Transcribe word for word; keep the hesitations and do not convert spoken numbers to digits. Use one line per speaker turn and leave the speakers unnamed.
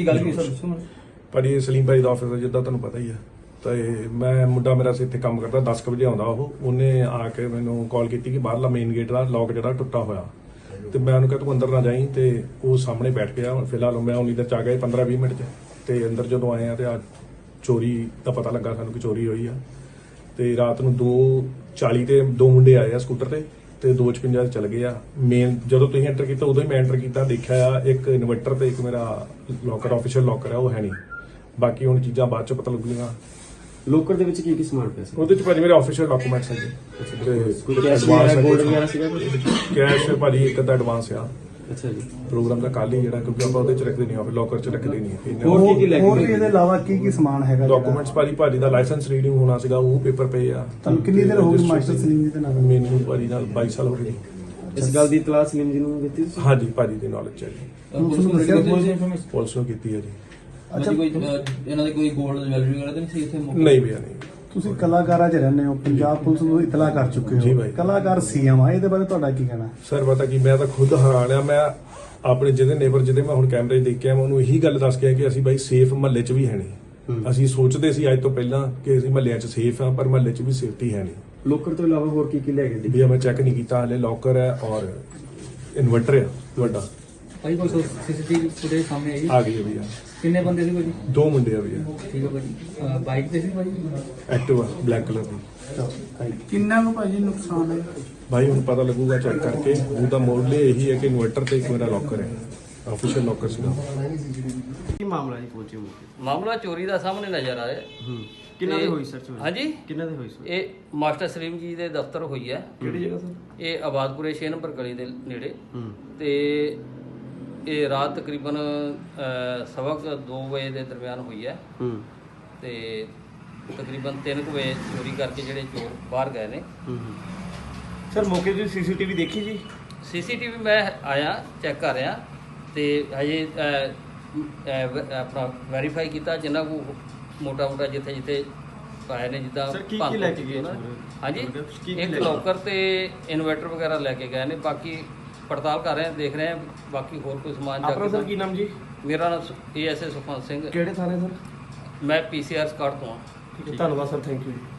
ਕੀ ਗੱਲ ਕੀ ਸਰ ਦੱਸੋ।
ਭਾਜੀ ਸਲੀਮ ਭਾਈ ਦਾ ਆਫਿਸ ਹੈ ਜਿੱਦਾਂ ਤੁਹਾਨੂੰ ਪਤਾ ਹੀ ਆ। ਤੇ ਮੈਂ ਮੁੰਡਾ ਮੇਰਾ ਇੱਥੇ ਕੰਮ ਕਰਦਾ ਦਸ ਕੁ ਵਜੇ ਆਉਂਦਾ ਉਹ ਉਹਨੇ ਆ ਕੇ ਮੈਨੂੰ ਕਾਲ ਕੀਤੀ ਕਿ ਬਾਹਰਲਾ ਮੇਨ ਗੇਟ ਦਾ ਲੌਕ ਜਿਹੜਾ ਟੁੱਟਾ ਹੋਇਆ ਤੇ ਮੈਂ ਉਹਨੂੰ ਕਿਹਾ ਤੂੰ ਅੰਦਰ ਨਾ ਜਾਈਂ ਤੇ ਉਹ ਸਾਹਮਣੇ ਬੈਠ ਗਿਆ। ਫਿਲਹਾਲ ਮੈਂ ਉਨੀ ਦੇਰ ਚ ਆ ਗਿਆ ਪੰਦਰਾਂ ਵੀਹ ਮਿੰਟ ਚ ਤੇ ਅੰਦਰ ਜਦੋਂ ਆਏ ਆ ਤੇ ਆ ਚੋਰੀ ਦਾ ਪਤਾ ਲੱਗਾ ਸਾਨੂੰ ਕਿ ਚੋਰੀ ਹੋਈ ਆ। ਤੇ ਰਾਤ ਨੂੰ ਦੋ ਚਾਲੀ ਤੇ ਦੋ ਮੁੰਡੇ ਆਏ ਆ ਸਕੂਟਰ ਤੇ ਤੇ ਦੋ ਛਪੰਜਾ ਚਲ ਗਏ ਆ। ਮੇਨ ਜਦੋਂ ਤੁਸੀਂ ਐਂਟਰ ਕੀਤਾ ਉਦੋਂ ਹੀ ਮੈਂ ਐਂਟਰ ਕੀਤਾ ਦੇਖਿਆ ਆ ਇੱਕ ਇਨਵਰਟਰ ਤੇ ਇੱਕ ਮੇਰਾ ਲੋਕਰ ਆਫੀਸ਼ੀਅਲ ਲੋਕਰ ਆ ਉਹ ਹੈ ਨਹੀਂ। ਬਾਕੀ ਹੁਣ ਚੀਜ਼ਾਂ ਬਾਅਦ ਚ ਪਤਾ ਲੱਗੂਗੀਆਂ।
ਲੋਕਰ ਦੇ ਵਿੱਚ ਕੀ ਕੀ ਸਮਾਨ ਪਿਆ ਸੀ?
ਉਹਦੇ ਚ ਭਾਜੀ ਮੇਰੇ ਆਫੀਸ਼ੀਅਲ ਡਾਕੂਮੈਂਟਸ ਹੈਗੇ ਤੇ
ਕੋਈ ਕੈਸ਼ ਵਗੈਰਾ ਗੋਲਡ ਵਗੈਰਾ ਸੀਗਾ ਕੁਝ?
ਕੈਸ਼ ਭਾਜੀ ਇੱਕ ਅੱਧਾ ਐਡਵਾਂਸ ਆ।
ਅੱਛਾ ਜੀ।
ਪ੍ਰੋਗਰਾਮ ਦਾ ਕੱਲ ਹੀ ਜਿਹੜਾ ਕਿਉਂਕਿ ਆਪਾਂ ਉਹਦੇ ਚ ਰੱਖਦੇ ਨਹੀਂ ਆ ਲੋਕਰ ਚ ਰੱਖਦੇ ਨਹੀਂ।
ਹੋਰ ਕੀ ਕੀ ਲੈ ਕੇ
ਹੋਰ ਵੀ ਇਹਦੇ ਇਲਾਵਾ ਕੀ ਕੀ ਸਮਾਨ ਹੈਗਾ?
ਡਾਕੂਮੈਂਟਸ ਭਾਜੀ ਭਾਜੀ ਦਾ ਲਾਇਸੈਂਸ ਰੀਡਿੰਗ ਹੋਣਾ ਸੀਗਾ ਉਹ ਪੇਪਰ ਪਏ ਆ।
ਤੁਹਾਨੂੰ ਕਿੰਨੀ ਦੇਰ ਹੋ ਗਈ ਮਾਸਟਰ ਸਲੀਮ ਜੀ ਦੇ ਨਾਲ?
ਮੈਨੂੰ ਭਾਜੀ ਨਾਲ ਬਾਈ ਸਾਲ ਹੋ ਗਏ।
ਇਸ ਗੱਲ ਦੀ ਇਤਲਾਹ ਸਲੀਮ ਜੀ ਨੂੰ ਦਿੱਤੀ ਤੁਸੀਂ?
ਹਾਂਜੀ ਭਾਜੀ ਦੀ ਨੌਲੇਜ ਹੈ ਜੀ।
ਪੁਲਿਸ ਨੂੰ ਦੱਸਿਆ ਕੋਈ?
ਪੁਲਿਸ ਨੂੰ ਕੀਤੀ ਹੈ ਜੀ।
ਅੱਛਾ ਕੋਈ ਇਹਨਾਂ ਦੇ ਕੋਈ ਗੋਲਡ ਜਵੈਲਰੀ ਵਗੈਰਾ ਤਾਂ ਨਹੀਂ ਸੀ ਇੱਥੇ?
ਨਹੀਂ ਭਈਆ ਨਹੀਂ।
ਤੁਸੀਂ ਕਲਾਕਾਰਾਂ 'ਚ ਰਹਿੰਦੇ ਹੋ, ਪੰਜਾਬ ਪੁਲਿਸ ਨੂੰ ਇਤਲਾਹ ਕਰ ਚੁੱਕੇ
ਜੀ
ਹੋ,
ਬਾਈ।
ਕਲਾਕਾਰ ਸੀਐਮ ਆ, ਇਹਦੇ ਬਾਰੇ ਤੁਹਾਡਾ ਕੀ ਕਹਿਣਾ?
ਸਰ ਪਤਾ ਕੀ ਮੈਂ ਤਾਂ ਖੁਦ ਹੈਰਾਨ ਆ। ਮੈਂ ਆਪਣੇ ਜਿਹਦੇ ਨੇਬਰ ਜਿਹਦੇ ਮੈਂ ਹੁਣ ਕੈਮਰੇ 'ਚ ਦੇਖਿਆ ਮੈਂ ਉਹਨੂੰ ਇਹੀ ਗੱਲ ਦੱਸ ਕੇ ਆਇਆ ਕਿ ਅਸੀਂ ਬਾਈ ਸੇਫ ਮਹੱਲੇ 'ਚ ਵੀ ਹੈ ਨਹੀਂ। ਅਸੀਂ ਸੋਚਦੇ ਸੀ ਅੱਜ ਤੋਂ ਪਹਿਲਾਂ ਕਿ ਅਸੀਂ ਮਹੱਲਿਆਂ 'ਚ ਸੇਫ ਆ ਪਰ ਮਹੱਲੇ 'ਚ ਵੀ ਸੇਫਟੀ ਹੈ ਨਹੀਂ।
ਲੋਕਰ ਤੋਂ ਇਲਾਵਾ ਹੋਰ ਕੀ ਕੀ ਲੈ ਗਏ?
ਭਈਆ ਮੈਂ ਚੈੱਕ ਨਹੀਂ ਕੀਤਾ ਹਲੇ। ਲੋਕਰ ਹੈ ਔਰ ਇਨਵਰਟਰ ਹੈ ਵੱਡਾ
ਭਾਈ ਕੋਈ ਸੀਸੀਟੀਵੀ ਫੁਟੇਜ ਸਾਹਮਣੇ ਆਈ
ਆ ਗਈ ਹੈ ਭਈਆ।
ਕਿੰਨੇ ਬੰਦੇ ਸੀ ਭਾਜੀ?
ਦੋ ਮੁੰਡੇ ਆ ਭਈਆ।
ਠੀਕ ਹੈ ਭਾਜੀ। ਬਾਈਕ ਤੇ ਸੀ ਭਾਜੀ?
ਐਕਟਿਵਾ ਬਲੈਕ ਕਲਰ ਦੀ।
ਕਿੰਨਾ ਕੁ ਭਾਜੀ ਨੁਕਸਾਨ ਹੈ?
ਭਾਈ ਹੁਣ ਪਤਾ ਲੱਗੂਗਾ ਚੈੱਕ ਕਰਕੇ। ਉਹਦਾ ਮੋਡਲ ਇਹੀ ਹੈ ਕਿ ਇਨਵਰਟਰ ਤੇ ਇੱਕ ਮੇਰਾ ਲੋਕਰ ਹੈ ਆਫੀਸ਼ੀਅਲ ਲੋਕਰ ਸੀਗਾ।
ਕੀ ਮਾਮਲਾ ਜੀ ਪਹੁੰਚੇ ਹੋ?
ਮਾਮਲਾ ਚੋਰੀ ਦਾ ਸਾਹਮਣੇ ਨਜ਼ਰ ਆਇਆ।
ਹੂੰ ਕਿੰਨਾ ਦੇ ਹੋਈ ਸਰ ਚੋਰੀ?
ਹਾਂਜੀ
ਕਿੰਨਾ ਦੇ ਹੋਈ ਸਰ?
ਇਹ ਮਾਸਟਰ ਸਲੀਮ ਜੀ ਦੇ ਦਫ਼ਤਰ ਹੋਈ ਹੈ।
ਕਿਹੜੀ ਜਗ੍ਹਾ ਸਰ?
ਇਹ ਆਬਾਦਪੁਰੇ ਛੇ ਨੰਬਰ ਗਲੀ ਦੇ ਨੇੜੇ।
ਹੂੰ
ਤੇ ਇਹ ਰਾਤ ਤਕਰੀਬਨ ਅਹ, ਸਵਾ ਕੁ ਦੋ ਵਜੇ ਦੇ ਦਰਮਿਆਨ ਹੋਈ ਹੈ।
ਹੂੰ
ਤੇ ਤਕਰੀਬਨ ਤਿੰਨ ਕੁ ਵਜੇ ਚੋਰੀ ਕਰਕੇ ਜਿਹੜੇ ਚੋਰ ਬਾਹਰ ਗਏ ਨੇ।
ਹੂੰ ਸਰ ਮੌਕੇ ਤੇ ਸੀਸੀਟੀਵੀ ਦੇਖੀ ਜੀ?
ਸੀਸੀਟੀਵੀ ਮੈਂ ਆਇਆ ਚੈੱਕ ਕਰ ਰਿਹਾ ਤੇ ਹਜੇ ਅਹ, ਅਹ, ਆਪਣਾ ਵੈਰੀਫਾਈ ਕੀਤਾ ਜਿੰਨਾ ਕੋ ਮੋਟਾ ਮੋਟਾ ਜਿੱਥੇ ਜਿੱਥੇ ਪਾਏ ਨੇ ਜਿੱਦਾਂ
ਸਰ ਕੀ ਕੀ
ਭੰਨ
ਲੈ
ਤੋੜ
ਕੇ
ਕੀਤੀ
ਗਏ?
ਉਹਨਾਂ ਨੇ। ਹਾਂਜੀ
ਕੀ ਕੀ ਲੈ
ਇੱਕ
ਕੇ ਗਏ?
ਲੋਕਰ ਤੇ ਇਨਵਰਟਰ ਵਗੈਰਾ ਲੈ ਕੇ ਗਏ ਨੇ। ਬਾਕੀ ਪੜਤਾਲ ਕਰ ਰਹੇ ਹਾਂ ਦੇਖ ਰਹੇ ਹਾਂ ਬਾਕੀ ਹੋਰ ਕੋਈ ਸਮਾਨ
ਆਪਣਾ ਸਰ
ਜਾ
ਕੀ ਨਾਮ ਜੀ?
ਮੇਰਾ ਨਾਮ A S A Sukhwant Singh.
ਕਿਹੜੇ ਥਾਣੇ ਸਰ?
ਮੈਂ ਪੀ ਸੀ ਆਰ ਸਕਾਟ ਤੋਂ ਹਾਂ।
ਠੀਕ ਹੈ ਧੰਨਵਾਦ ਸਰ ਥੈਂਕ ਯੂ ਜੀ।